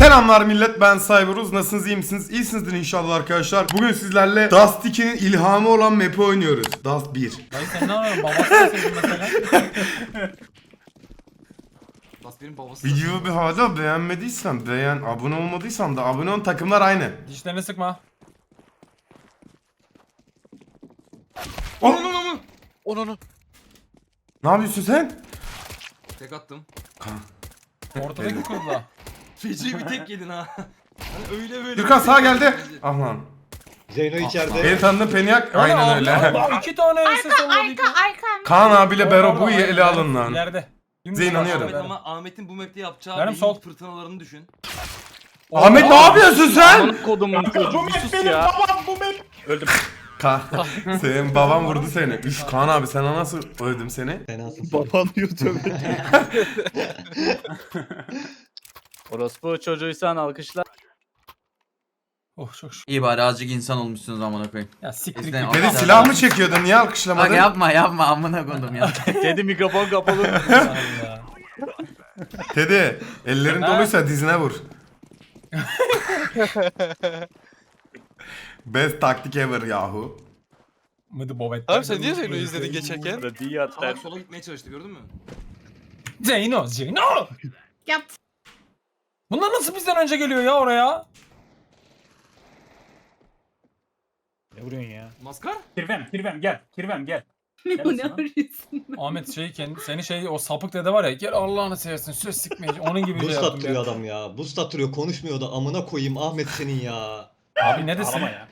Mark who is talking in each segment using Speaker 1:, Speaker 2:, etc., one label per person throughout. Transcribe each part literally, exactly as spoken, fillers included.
Speaker 1: Selamlar millet, ben Cyberuz. Nasılsınız, iyi misiniz? İyisinizdir inşallah arkadaşlar. Bugün sizlerle Dust iki'nin ilhamı olan map'i oynuyoruz. Dust bir.
Speaker 2: Dayı sen ne yapıyorsun? Babası deseydin mesela.
Speaker 3: Dust bir'in babası.
Speaker 1: Videoyu bir hala beğenmediysen, beğen, abone olmadıysan da abone ol, takımlar aynı.
Speaker 2: Dişlerini sıkma.
Speaker 1: Oh!
Speaker 3: Onu onu.
Speaker 4: Onu onu.
Speaker 1: Ne yapıyorsun sen?
Speaker 3: Tek attım.
Speaker 2: Ortadaki kurda.
Speaker 3: Feci bir tek yedin ha. Hani öyle böyle.
Speaker 1: Gürkan sağa geldi. Ah lan.
Speaker 5: Zeyno içeride.
Speaker 1: Beni tanıdın Peniak. Aynen öyle.
Speaker 2: Allah, iki tane ese
Speaker 6: Arka
Speaker 2: salladı.
Speaker 6: arka arka.
Speaker 1: Kaan abiyle Bero bu ele alın lan.
Speaker 2: İleride. Dümdüz
Speaker 1: Zeyn
Speaker 2: karşıda
Speaker 1: inanıyorum.
Speaker 3: Ahmet
Speaker 2: benim.
Speaker 3: ama Ahmet'in bu map'te yapacağı
Speaker 2: Benim
Speaker 3: beyin
Speaker 2: sol.
Speaker 3: fırtınalarını düşün.
Speaker 1: Ahmet ne yapıyorsun sen?
Speaker 4: Aman kodumun çocuğu bir sus ya. Öldüm.
Speaker 1: Kaan. Senin baban vurdu seni. Üf Kaan abi sen nasıl öldüm seni?
Speaker 5: Fenasın.
Speaker 4: Baban YouTube. Orospu çocuğuysan alkışla.
Speaker 2: Oh çok şükür.
Speaker 7: İyi bari azıcık insan olmuşsunuz amına koyayım.
Speaker 2: Ya siktir
Speaker 7: Bizden
Speaker 2: git.
Speaker 1: Beni
Speaker 7: Aferin.
Speaker 1: silah mı çekiyordun? Niye
Speaker 7: Bak
Speaker 1: alkışlamadın?
Speaker 7: yapma yapma amına koydum ya.
Speaker 4: Dedi mikrofon kapalı.
Speaker 2: Allah.
Speaker 1: Teddy ellerin
Speaker 2: Ha?
Speaker 1: doluysa dizine vur. Best taktik ever yahu.
Speaker 2: Mıdı bobet.
Speaker 8: Abi sen niye Zeyno'yu izledin geçerken?
Speaker 4: Diyatlar.
Speaker 3: Salak sola gitmeye çalıştı gördün mü?
Speaker 2: Zeyno Zeyno.
Speaker 6: Yap.
Speaker 2: Bunlar nasıl bizden önce geliyor ya oraya?
Speaker 4: Ne vuruyorsun ya?
Speaker 3: Maskar?
Speaker 9: Kirvem, Kirvem gel. Kirvem gel.
Speaker 6: Bu ne arıyorsun?
Speaker 2: Ahmet şey kendi seni şey o sapık dede var ya gel Allah'ını seversin söz sikmeyici onun gibi şey
Speaker 5: Boost
Speaker 2: yaptım
Speaker 5: attırıyor
Speaker 2: ya.
Speaker 5: adam ya. Boost attırıyor konuşmuyor da amına koyayım Ahmet senin ya.
Speaker 2: Abi ne desin?
Speaker 9: Ağlama ya.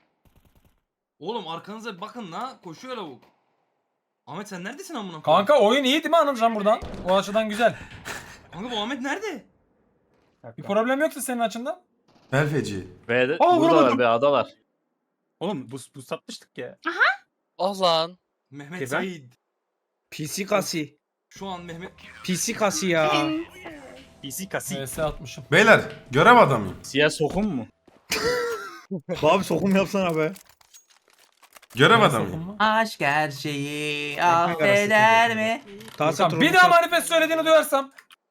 Speaker 3: Oğlum arkanıza bir bakın la. Koşuyor lavuk. Ahmet sen neredesin amına koyayım?
Speaker 2: Kanka oyun iyi değil mi Anılcan buradan? O açıdan güzel.
Speaker 3: Kanka bu Ahmet nerede?
Speaker 2: Bir problem yoksa senin açından.
Speaker 1: Belfeci.
Speaker 4: Ve de
Speaker 9: Aa,
Speaker 4: buradalar
Speaker 9: vuramadım.
Speaker 4: be adalar.
Speaker 9: Oğlum bu, bu satmıştık ya.
Speaker 8: Ah lan.
Speaker 3: Mehmet
Speaker 9: Kirven?
Speaker 3: Said.
Speaker 10: P C kasi.
Speaker 3: Şu an Mehmet...
Speaker 10: P C kasi ya.
Speaker 9: P C kasi.
Speaker 2: V S atmışım.
Speaker 1: Beyler görev adamıyım.
Speaker 4: Siyah sokun mu?
Speaker 10: Abi sokum yapsana be.
Speaker 1: Görev
Speaker 2: V S
Speaker 1: adamıyım.
Speaker 2: okun mu?
Speaker 7: Aşk her şeyi
Speaker 10: arası
Speaker 7: affeder mi?
Speaker 10: Tahsin
Speaker 2: Tamam, bir daha manifest söylediğini duyarsam.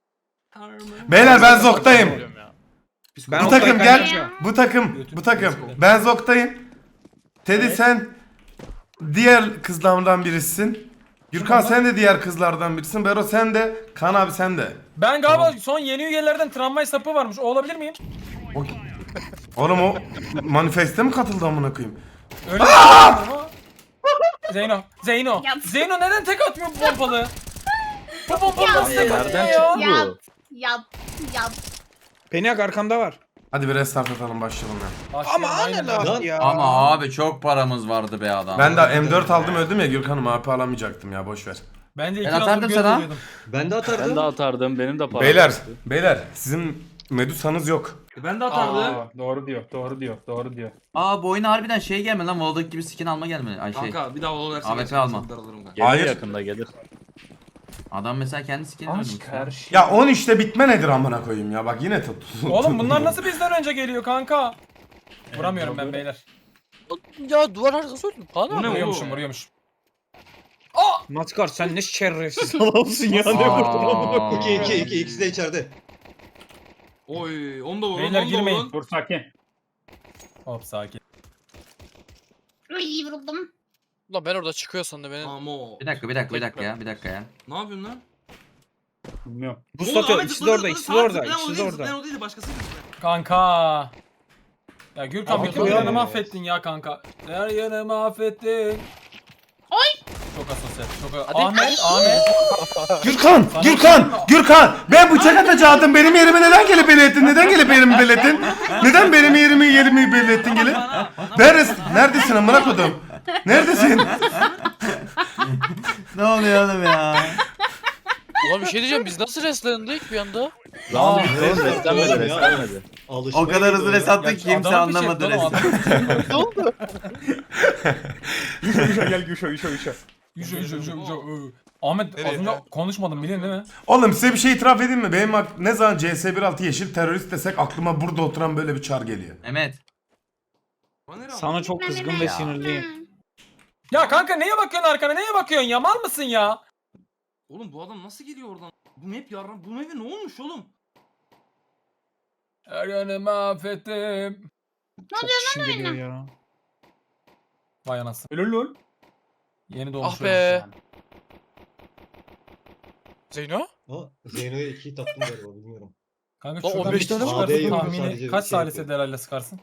Speaker 1: Beyler ben Zok'tayım.
Speaker 10: Ben
Speaker 1: Bu
Speaker 10: o
Speaker 1: takım
Speaker 10: kaykayı
Speaker 1: gel.
Speaker 10: yapacağım.
Speaker 1: Bu takım. Bu takım. Ben Zok'tayım. Teddy sen diğer kızlardan birisin. Gürkan sen de diğer kızlardan birisin. Bero sen de. Kaan abi sen de.
Speaker 2: Ben galiba son yeni üyelerden tramvay sapı varmış. O olabilir miyim?
Speaker 1: O... Oğlum o manifeste mi katıldı amına koyayım?
Speaker 2: Öyle bir şey ama. Zeyno. Zeyno.
Speaker 6: Yap.
Speaker 2: Zeyno neden tek atmıyor bu pompalı? Bu pompalı nasıl tek atıyor
Speaker 4: Nereden
Speaker 2: ya?
Speaker 4: çıktı
Speaker 6: Yap.
Speaker 4: bu?
Speaker 6: Yap. Yap.
Speaker 10: Peniak arkamda var.
Speaker 1: Hadi bir restart atalım başlayalım ya.
Speaker 10: Ama
Speaker 2: Aynen.
Speaker 10: aynen
Speaker 5: Lan.
Speaker 10: abi ya.
Speaker 7: Ama abi çok paramız vardı be adam.
Speaker 1: Ben de M dört aldım öldüm ya Gürkan'ım A P alamayacaktım ya boş ver.
Speaker 2: Bence iki
Speaker 7: Ben
Speaker 2: aldım
Speaker 7: atardım
Speaker 2: göz
Speaker 7: sana.
Speaker 2: veriyordum.
Speaker 5: Ben de atardım.
Speaker 4: Ben de atardım. Benim de param.
Speaker 1: Beyler,
Speaker 4: yoktu.
Speaker 1: beyler sizin Medusa'nız yok.
Speaker 3: E ben de atardım.
Speaker 9: Aa, doğru diyor, doğru diyor, doğru diyor.
Speaker 7: Aa bu oyuna harbiden şey gelme lan Voldok gibi skin alma gelme. Ay şey.
Speaker 3: Kanka bir daha olursa
Speaker 7: A W P
Speaker 3: gerçekten
Speaker 7: alma.
Speaker 3: çok daralırım kanka.
Speaker 4: Gelir
Speaker 1: Hayır.
Speaker 4: yakında gelir.
Speaker 7: Adam mesela kendi skinini
Speaker 9: Aşk
Speaker 7: ölmüş.
Speaker 9: her şey.
Speaker 1: Ya on üçte bitme nedir amına koyayım ya bak yine tut.
Speaker 2: Oğlum bunlar nasıl bizden önce geliyor kanka? Vuramıyorum ben beyler.
Speaker 8: Ya duvar arkası öldüm. Kaan
Speaker 3: Bu
Speaker 8: abi.
Speaker 3: ne
Speaker 2: Vuruyormuşum
Speaker 3: oğlum?
Speaker 2: vuruyormuşum.
Speaker 10: Maskar sen ne şerefsiz adamsın ya. Ne
Speaker 7: Aa.
Speaker 10: vurdun amına koyayım.
Speaker 5: İki iki iki ikisi de içeride.
Speaker 3: Oy onu da vurun
Speaker 2: Beyler,
Speaker 3: onu da
Speaker 2: girmeyin.
Speaker 3: vurun.
Speaker 9: Dur sakin.
Speaker 2: Hop sakin.
Speaker 6: Ay vuruldum.
Speaker 8: Ulan ben orada çıkıyor sandım beni.
Speaker 3: Amo.
Speaker 7: Bir dakika bir dakika bir dakika ya bir dakika ya.
Speaker 3: Ne yapıyorsun lan?
Speaker 9: Bilmiyorum.
Speaker 10: Boost
Speaker 3: Oğlum,
Speaker 10: atıyor.
Speaker 3: Ahmet
Speaker 10: İkisi de
Speaker 3: zıpladı,
Speaker 10: orada.
Speaker 3: zıpladı,
Speaker 10: İkisi de
Speaker 3: sağa
Speaker 10: orada.
Speaker 3: zıplayan o
Speaker 10: İkisi de
Speaker 3: değil,
Speaker 10: orada.
Speaker 3: zıplayan o değil de başkası.
Speaker 2: Kanka. Ya Gürkan
Speaker 10: Abi,
Speaker 2: bütün
Speaker 10: koyalım
Speaker 2: planı
Speaker 10: ya.
Speaker 2: mahvettin ya kanka. Her yanı mahvettin. Çok asosyal. Çok
Speaker 8: Hadi.
Speaker 2: Ahmet, Ahmet.
Speaker 1: Gürkan, Gürkan, Gürkan. Ben bıçak atacaktım. Benim yerime neden gelip belirttin? Neden gelip yerimi belirttin? Neden benim yerimi yerimi belirttin gelip?
Speaker 3: Bana, bana
Speaker 1: Neredesin? Neredesin amına kodum? Neredesin?
Speaker 7: Ne oluyor oğlum ya?
Speaker 8: Ulan bir şey diyeceğim biz nasıl restlendik bir anda?
Speaker 4: Round bitti oğlum. Beslenmedi
Speaker 5: Oğlum ya.
Speaker 4: beslenmedi.
Speaker 5: Alışmaya
Speaker 7: O kadar hızlı
Speaker 5: gidiyor
Speaker 7: res
Speaker 5: ya.
Speaker 7: attık ki kimse
Speaker 2: Adamı bir şey
Speaker 7: anlamadı
Speaker 2: yaptı oğlum,
Speaker 7: resmen.
Speaker 2: adam.
Speaker 8: Ne oldu?
Speaker 9: Yuşa yuşa gel yuşa yuşa yuşa.
Speaker 2: Yuşa yuşa yuşa yuşa. Iı. Ahmet az önce konuşmadım biliyorsun değil mi?
Speaker 1: Oğlum size bir şey itiraf edeyim mi? Benim ak- ne zaman C S bir altı yeşil terörist desek aklıma burada oturan böyle bir çar geliyor.
Speaker 7: Mehmet.
Speaker 3: Bana ne
Speaker 10: Sana çok kızgın ve sinirliyim.
Speaker 2: Ya kanka neye bakıyorsun arkana? Neye bakıyorsun ya? Mal mısın ya?
Speaker 3: Oğlum bu adam nasıl geliyor oradan? Bu map yarram. Bu map'e ne olmuş oğlum?
Speaker 2: Her yanı mahvettim.
Speaker 6: Ne oluyor
Speaker 10: Kişi
Speaker 6: lan
Speaker 10: geliyor
Speaker 6: öyle?
Speaker 10: ya.
Speaker 2: Vay anasını.
Speaker 9: Helal lan.
Speaker 2: Yeni doğmuş
Speaker 8: Ah
Speaker 2: ölmüş
Speaker 8: be.
Speaker 2: yani.
Speaker 8: Zeyno?
Speaker 5: Ha, Zeyno'ya iki hit attım galiba bilmiyorum.
Speaker 2: Kanka
Speaker 8: Lan
Speaker 2: şuradan
Speaker 8: on
Speaker 2: bir
Speaker 8: beş
Speaker 2: tane
Speaker 8: tane mi
Speaker 2: çıkarsın
Speaker 5: var? Yok,
Speaker 2: tahmini
Speaker 5: sadece
Speaker 2: kaç
Speaker 5: şey
Speaker 2: salise
Speaker 5: yapıyor.
Speaker 2: delayla sıkarsın?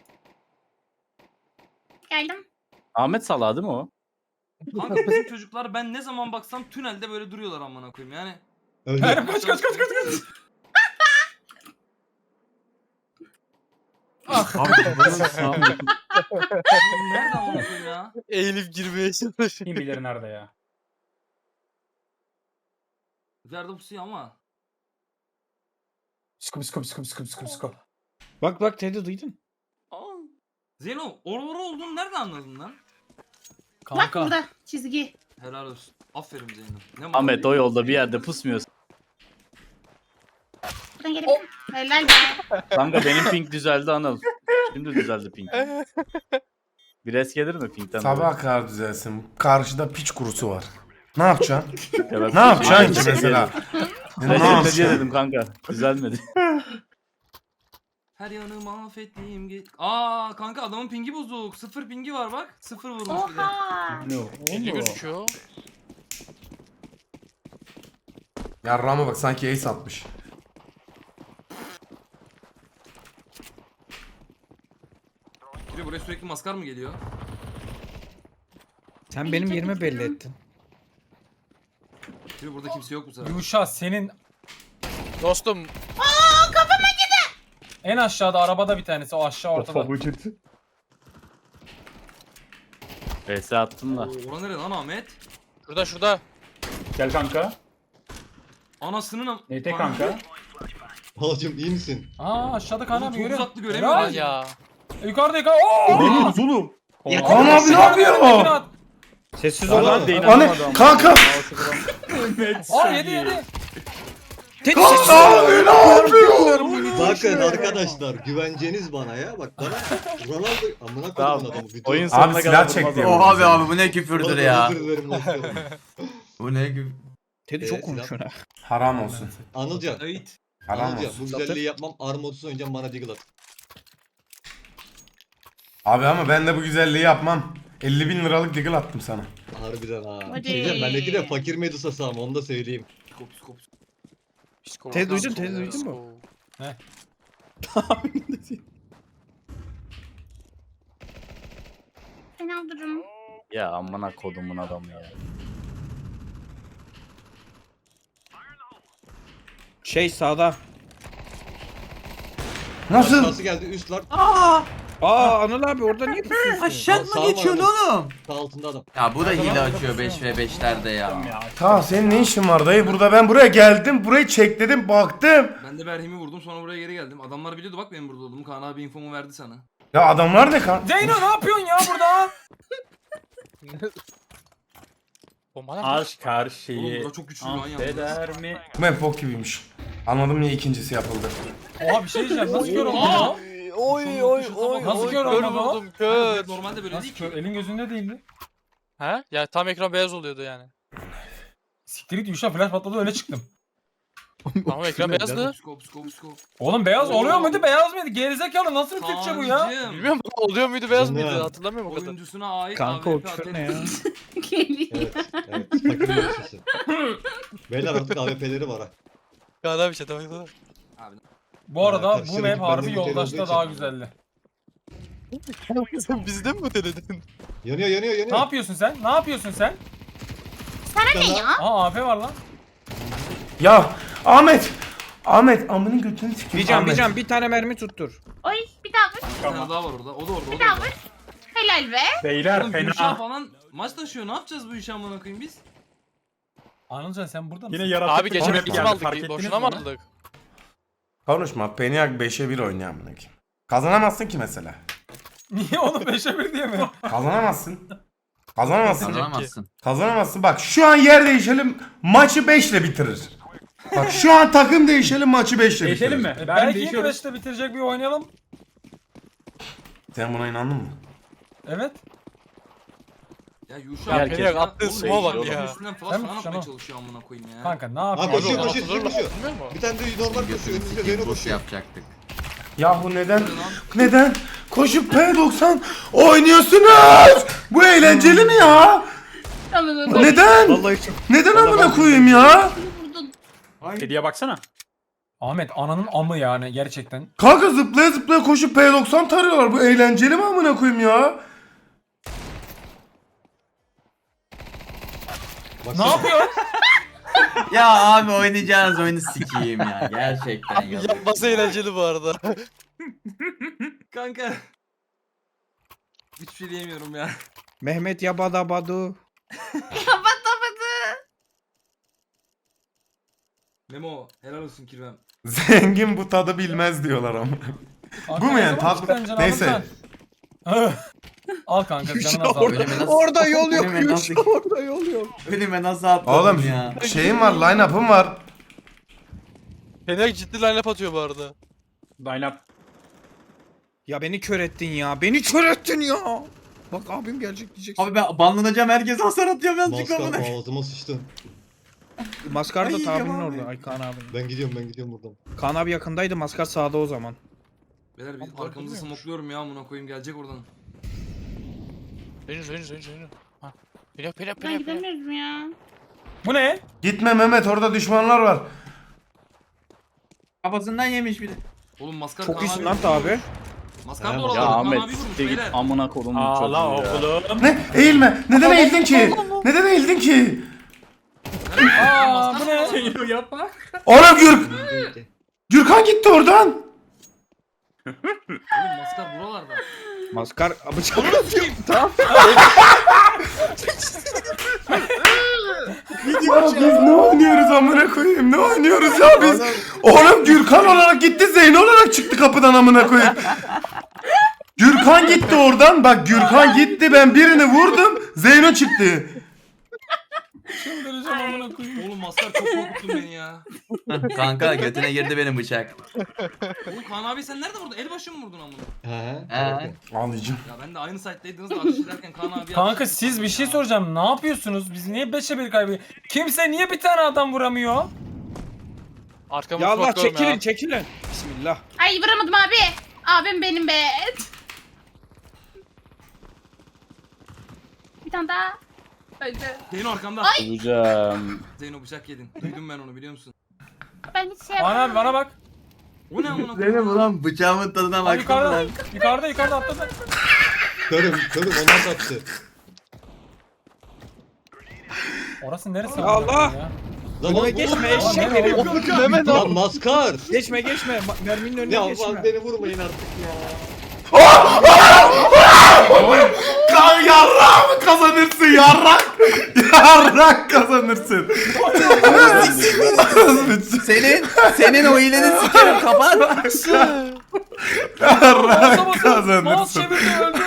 Speaker 6: Geldim.
Speaker 4: Ahmet Salah değil mi o?
Speaker 3: Kanka bizim çocuklar ben ne zaman baksam tünelde böyle duruyorlar amına koyayım yani.
Speaker 5: Öyle.
Speaker 2: Kaç kaç kaç kaç kaç. Ah.
Speaker 7: Abi bunun sağ
Speaker 3: Nerede amına koyayım ya?
Speaker 8: Eğilip girmeye çalışıyor.
Speaker 9: Kim bilir nerede ya.
Speaker 3: Nerede pusuyor ama.
Speaker 9: Skop skop skop skop skop skop.
Speaker 10: Bak bak Teddy duydun.
Speaker 3: Zeyno oralara olduğunu nereden anladın lan?
Speaker 6: Bak
Speaker 2: Kanka.
Speaker 6: burada çizgi.
Speaker 3: Helal olsun. Aferin Zeyno. Ne
Speaker 4: Ahmet o yolda bir yerde pusmuyorsun.
Speaker 6: Buradan gelebilirim. Helal be.
Speaker 4: Kanka benim ping düzeldi Anıl. Şimdi düzeldi ping. Bir es gelir mi pingden?
Speaker 1: Sabaha kadar düzelsin. Karşıda piç kurusu var. Ne yapacaksın?
Speaker 4: Evet.
Speaker 1: Ne yapacaksın ki mesela? Ne
Speaker 4: Ne diye
Speaker 1: yapacaksın?
Speaker 4: dedim kanka. Düzelmedi.
Speaker 3: Her yanı mahvettiğim ge- Aa kanka adamın pingi bozuk. Sıfır pingi var bak. Sıfır vurmuş bir de.
Speaker 6: Oha.
Speaker 9: Ne
Speaker 8: elli
Speaker 9: oldu?
Speaker 8: gözüküyor.
Speaker 1: Yarrağıma bak sanki ace atmış.
Speaker 3: Biri buraya sürekli maskar mı geliyor?
Speaker 10: Sen benim yerimi belli ettin.
Speaker 3: Biri burada kimse yok bu sefer.
Speaker 2: Yuşa senin
Speaker 8: Dostum
Speaker 2: en aşağıda arabada bir tanesi o aşağı ortada.
Speaker 9: Ortada. Vücut.
Speaker 4: V S attın da.
Speaker 3: Oo, ora nere lan Ahmet?
Speaker 8: şurada şurada.
Speaker 9: Gel kanka.
Speaker 3: Anasının am-
Speaker 9: Neyte kanka.
Speaker 5: Halacım iyi misin?
Speaker 2: Aa aşağıda Kaan
Speaker 3: Oğlum
Speaker 2: abi
Speaker 3: çok
Speaker 2: görüyor.
Speaker 3: uzaklı göremiyorum
Speaker 2: Helal.
Speaker 3: ben
Speaker 8: Ya.
Speaker 2: Yukarıda yukarı. Oo!
Speaker 9: Neyiniz oğlum?
Speaker 10: Ya,
Speaker 1: Kaan abi ne yapıyor?
Speaker 10: Sessiz ol lan.
Speaker 1: Anne kanka.
Speaker 2: Aa yedi yedi.
Speaker 10: Teddy
Speaker 1: Kaan
Speaker 10: sessiz ol.
Speaker 1: abi ne yapıyor?
Speaker 5: Bakın arkadaşlar güvenceniz bana ya. Bak bana Ronaldo amına
Speaker 4: Tamam.
Speaker 5: koydum adamı. Bütün-
Speaker 4: Oyun
Speaker 1: Abi
Speaker 4: sonuna
Speaker 1: silah
Speaker 4: kadar
Speaker 1: çekti.
Speaker 4: durmaz.
Speaker 7: Oha be abi bu ne küfürdür
Speaker 5: Ronaldo
Speaker 7: ya.
Speaker 5: özür dilerim, bakıyorum.
Speaker 7: Bu ne küfür.
Speaker 10: Teddy
Speaker 5: Ee,
Speaker 10: çok konuşuyor ha.
Speaker 1: Haram olsun.
Speaker 5: Anılcan.
Speaker 3: Ait.
Speaker 1: Haram
Speaker 5: Anılcan
Speaker 1: olsun.
Speaker 5: bu güzelliği yapmam. Armodsuz oynayacağım bana deagle at.
Speaker 1: Abi ama ben de bu güzelliği yapmam. elli bin liralık deagle attım sana.
Speaker 5: Harbiden ha.
Speaker 6: Hadi.
Speaker 5: Diyeceğim bendeki de fakir Medusa'sı ama onu da söyleyeyim.
Speaker 3: Psiko psiko psiko.
Speaker 8: Psiko.
Speaker 10: Teddy duydun,
Speaker 8: Psiko.
Speaker 10: Teddy duydun mu?
Speaker 6: Fena durum.
Speaker 4: Ya amına kodumun adamı ya.
Speaker 10: Şey sağda.
Speaker 1: Nasıl?
Speaker 5: Aşağısı geldi üst var.
Speaker 10: Aa Anıl abi orada niye pusuyorsun?
Speaker 7: Aşağı
Speaker 5: Sağ
Speaker 7: mı geçiyorsun
Speaker 5: var
Speaker 7: oğlum?
Speaker 5: Sağ altında adam.
Speaker 7: Ya bu da hile açıyor beş ve beşlerde ya.
Speaker 9: Ya.
Speaker 1: Ta senin ne işin var dayı? Burada ben buraya geldim. Burayı çekledim baktım.
Speaker 3: Ben de Berhim'i vurdum sonra buraya geri geldim. Adamlar biliyordu bak benim burada olduğumu. Kaan abi infomu verdi sana.
Speaker 1: Ya adamlar ne kan?
Speaker 2: Zeyno ne yapıyorsun ya burada?
Speaker 8: Bomba nerede?
Speaker 9: Aşk her
Speaker 3: Oğlum
Speaker 9: şeyi
Speaker 3: bura çok güçlü lan yalnız.
Speaker 9: affeder mi?
Speaker 1: Bu map bok gibiymiş. Anladım niye ikincisi yapıldı.
Speaker 2: Oha bir şey diyeceğim nasıl kör oldun ya?
Speaker 8: Oy oy oy.
Speaker 2: Nasıl
Speaker 8: oy,
Speaker 2: kör
Speaker 8: kör
Speaker 2: olmadı o?
Speaker 8: vurdum kör.
Speaker 3: Normalde böyle
Speaker 2: Nasıl
Speaker 3: değil
Speaker 2: kör?
Speaker 3: ki.
Speaker 2: Elin gözünde değildi.
Speaker 8: He? Ya tam ekran beyaz oluyordu yani.
Speaker 2: Siktir git Yuşa flash patladı öne çıktım.
Speaker 8: Ama ekran beyazdı.
Speaker 3: Psiko psiko psiko.
Speaker 2: Oğlum beyaz
Speaker 3: Oo.
Speaker 2: oluyor muydu beyaz mıydı? Gerizekalı nasıl bir Türkçe bu ya?
Speaker 3: Kaan'cığım,
Speaker 8: Bilmiyorum oluyor muydu beyaz
Speaker 5: Ne?
Speaker 8: mıydı hatırlamıyorum o kadar.
Speaker 3: Oyuncusuna ait
Speaker 10: Kanka
Speaker 3: A
Speaker 10: o
Speaker 3: W P
Speaker 10: küfür ne ya?
Speaker 6: Geliyor.
Speaker 5: Evet. Evet. Fakir Medusa'sı. Beyler artık A W P'leri var ha.
Speaker 8: Kaan abi şey tamam tamam.
Speaker 3: Abi
Speaker 2: Bu arada
Speaker 5: Arkadaşlar,
Speaker 2: bu map
Speaker 5: benden
Speaker 2: harbi
Speaker 5: bir kere
Speaker 2: yoldaşta
Speaker 5: olduğu
Speaker 2: daha
Speaker 5: için.
Speaker 2: güzeldi.
Speaker 8: Sen bizden mi denedin?
Speaker 5: Yanıyor yanıyor yanıyor.
Speaker 2: Ne yapıyorsun sen? Ne yapıyorsun sen?
Speaker 5: Bir tane
Speaker 6: Ne
Speaker 5: daha.
Speaker 6: ya?
Speaker 2: Aa A P var lan.
Speaker 1: Ya Ahmet. Ahmet amının götünü sikeyim.
Speaker 10: Bir can bir
Speaker 1: Ahmet.
Speaker 10: can bir tane mermi tuttur.
Speaker 6: Oy bir daha vur.
Speaker 3: bir tane daha var orada. O da orada. O
Speaker 6: Bir
Speaker 3: da
Speaker 6: daha
Speaker 3: orada.
Speaker 6: vur. Helal be.
Speaker 9: Beyler
Speaker 3: Oğlum Gülşah
Speaker 9: fena.
Speaker 3: falan maç taşıyor. Ne yapacağız bu işi amına koyayım biz?
Speaker 2: Anılcan sen burada mısın?
Speaker 9: Yine yaratık.
Speaker 8: Abi geçen hep kim
Speaker 9: Fark
Speaker 8: aldık?
Speaker 9: ettiniz
Speaker 8: Boşuna mı
Speaker 9: mi onu?
Speaker 8: aldık?
Speaker 1: Konuşma. Peniak beşe bir oynuyor amına koyayım. Kazanamazsın ki mesela.
Speaker 2: Niye onu beşe bir diye mi?
Speaker 1: Kazanamazsın. Kazanamazsın.
Speaker 7: Kazanamazsın.
Speaker 1: Kazanamazsın. Bak şu an yer değişelim maçı beş ile bitirir. Bak şu an takım değişelim maçı beş ile bitirir.
Speaker 9: Değişelim mi?
Speaker 2: E,
Speaker 9: Ben
Speaker 2: belki yine
Speaker 9: değişiyorum.
Speaker 2: beşte bitirecek bir oynayalım.
Speaker 1: Sen buna inandın mı?
Speaker 2: Evet.
Speaker 3: Ya Yuşa
Speaker 8: Ya
Speaker 3: herkes
Speaker 8: Peniak
Speaker 3: ya.
Speaker 8: attığı
Speaker 3: Oğlum,
Speaker 8: smoke'a bak
Speaker 3: oğlum,
Speaker 8: ya.
Speaker 3: Üstünden falan
Speaker 2: Sen
Speaker 3: falan
Speaker 2: mi
Speaker 3: atmaya
Speaker 2: Şenol?
Speaker 3: çalışıyor amına koyayım ya.
Speaker 2: Kanka ne
Speaker 5: Ha
Speaker 2: yapıyorsun?
Speaker 5: koşuyor
Speaker 8: Abi,
Speaker 5: koşuyor
Speaker 8: atılır
Speaker 5: koşuyor.
Speaker 8: mı? Bilmiyor musun?
Speaker 5: Bir tane de normal koşuyor. Önünüzde Zeyno
Speaker 7: Boş
Speaker 5: koşuyor.
Speaker 7: yapacaktık.
Speaker 1: Yahu neden? Neden? Koşup P doksan oynuyorsunuz? Bu eğlenceli mi ya? Neden?
Speaker 10: Vallahi çok.
Speaker 1: Neden amına koyayım ya?
Speaker 9: Kediye baksana.
Speaker 2: Ahmet ananın amı yani gerçekten.
Speaker 1: Kanka zıplaya zıplaya koşup P doksan tarıyorlar. Bu eğlenceli mi amına koyayım ya?
Speaker 2: Ne yapıyor?
Speaker 7: Ya abi oynayacağınız oyunu sikeyim ya. Gerçekten ya.
Speaker 8: Yapması eğlenceli bu arada.
Speaker 3: Kanka. Hiçbir şey diyemiyorum ya.
Speaker 10: Mehmet Yabada Badu.
Speaker 6: Kapatamadı.
Speaker 3: Memo helal olsun kirvem.
Speaker 1: Zengin bu tadı bilmez diyorlar ama. Bu mu yani? Tatlı. Neyse.
Speaker 2: Al kanka canını azalt.
Speaker 7: Önüme nasıl-
Speaker 10: Orada yol yok.
Speaker 7: Önüme
Speaker 10: Yunus,
Speaker 7: nasıl,
Speaker 10: Orada yol yok.
Speaker 7: önüme nasıl atladın
Speaker 1: Oğlum
Speaker 7: ya?
Speaker 1: şeyim var, line-up'ım var.
Speaker 8: Fener ciddi line-up atıyor bu arada.
Speaker 9: Line up.
Speaker 10: Ya beni kör ettin ya. Beni kör ettin ya. Bak abim gelecek diyeceksin.
Speaker 7: Abi ben banlanacağım, herkes hasar atıyor birazcık
Speaker 5: Maskar
Speaker 7: amına.
Speaker 5: ağzıma sıçtın.
Speaker 10: Maskar da
Speaker 7: Ay,
Speaker 10: tabinin
Speaker 7: yaman
Speaker 10: orada.
Speaker 7: be.
Speaker 10: Ay Kaan abi.
Speaker 5: Ben gidiyorum ben gidiyorum buradan.
Speaker 10: Kaan abi yakındaydı. Maskar sağda o zaman.
Speaker 3: Beyler biz
Speaker 8: Abi,
Speaker 3: arkamızı
Speaker 8: dönmüyormuş.
Speaker 3: smokluyorum ya amına koyayım gelecek oradan.
Speaker 8: Henüz henüz henüz henüz. Ha. Pela pela
Speaker 6: Ben
Speaker 8: pela pela.
Speaker 6: gidemiyoruz mu ya?
Speaker 2: Bu ne?
Speaker 1: Gitme Mehmet, orada düşmanlar var.
Speaker 7: Kafasından yemiş biri.
Speaker 3: Oğlum maskar
Speaker 10: Çok
Speaker 3: Kaan
Speaker 10: iyisin
Speaker 3: abi
Speaker 10: lan
Speaker 3: vurmuş.
Speaker 10: abi.
Speaker 3: Maskar da
Speaker 5: Ya
Speaker 3: oralarda.
Speaker 4: Ya
Speaker 3: Kaan
Speaker 4: Ahmet
Speaker 3: abi vurmuş
Speaker 4: siktir git
Speaker 3: beyler.
Speaker 4: amına kodumun çocuğu
Speaker 9: Ağla
Speaker 4: ya.
Speaker 9: oğlum.
Speaker 1: Ne? Eğilme. Neden eğildin ki? Neden eğildin ki?
Speaker 2: Aa bu ne?
Speaker 9: Şey yapma.
Speaker 1: Oğlum Gürk. Gürkan gitti oradan.
Speaker 3: Oğlum maskar buralarda.
Speaker 10: Maskar bıçak atıyor. Tamam.
Speaker 1: Ya biz ne oynuyoruz amına koyayım? Ne oynuyoruz ya biz? Oğlum Gürkan olarak gitti, Zeyno olarak çıktı kapıdan amına koyayım. Gürkan gitti oradan. Bak Gürkan gitti, ben birini vurdum. Zeyno çıktı.
Speaker 2: Çıldıracağım amına koyayım.
Speaker 3: Oğlum maskar çok korkuttun beni ya.
Speaker 7: Kanka götüne girdi benim bıçak.
Speaker 3: Oğlum Kaan abi sen nerede vurdun? Elbaşı mı vurdun amına?
Speaker 5: He.
Speaker 7: He.
Speaker 1: Ağlayacağım.
Speaker 3: Ya ben de aynı site'daydınız da ateş ederken Kaan abi
Speaker 2: Kanka siz bir şey soracağım. Ne yapıyorsunuz? Biz niye beşe bir kaybediyoruz? Kimse niye bir tane adam vuramıyor?
Speaker 8: Arkamı
Speaker 10: Ya Allah
Speaker 8: smoke'luyorum
Speaker 10: çekilin
Speaker 8: ya.
Speaker 10: çekilin. Bismillah.
Speaker 6: Ay vuramadım abi. Abim benim be. Bir tane daha. Öldü.
Speaker 3: Zeyno arkamda.
Speaker 4: Bulacağım.
Speaker 3: Zeyno bıçak yedin. Duydum ben onu biliyor musun?
Speaker 6: Ben hiç şey
Speaker 2: Bana abi
Speaker 6: yapamadım.
Speaker 2: bana bak.
Speaker 3: O ne amına
Speaker 7: Zeynep
Speaker 3: koyayım?
Speaker 7: ulan bıçağımın tadına
Speaker 2: Abi
Speaker 7: baktım
Speaker 2: yukarıda,
Speaker 7: lan.
Speaker 2: yukarıda yukarıda atladı.
Speaker 5: Körüm körüm ona sattı.
Speaker 2: Orası neresi?
Speaker 10: Ya
Speaker 2: amına
Speaker 10: Allah!
Speaker 2: koyayım ya?
Speaker 5: Lan
Speaker 10: Önüme
Speaker 5: oğlum,
Speaker 10: geçme
Speaker 2: Lan
Speaker 10: eşek
Speaker 2: nereye
Speaker 10: herif.
Speaker 2: oğlum?
Speaker 8: Mehmet
Speaker 5: Lan maskar.
Speaker 10: Geçme geçme. Ma- Merminin önüne
Speaker 5: Ya
Speaker 10: geçme.
Speaker 5: lan beni vurmayın artık ya.
Speaker 1: Kan yarrak mı kazanırsın yarrak? Yarrak kazanırsın.
Speaker 7: Senin, senin o hileni sikerim kapat.
Speaker 1: Yarrak
Speaker 2: Mouse
Speaker 1: kazanırsın.
Speaker 2: çevirdi öldü.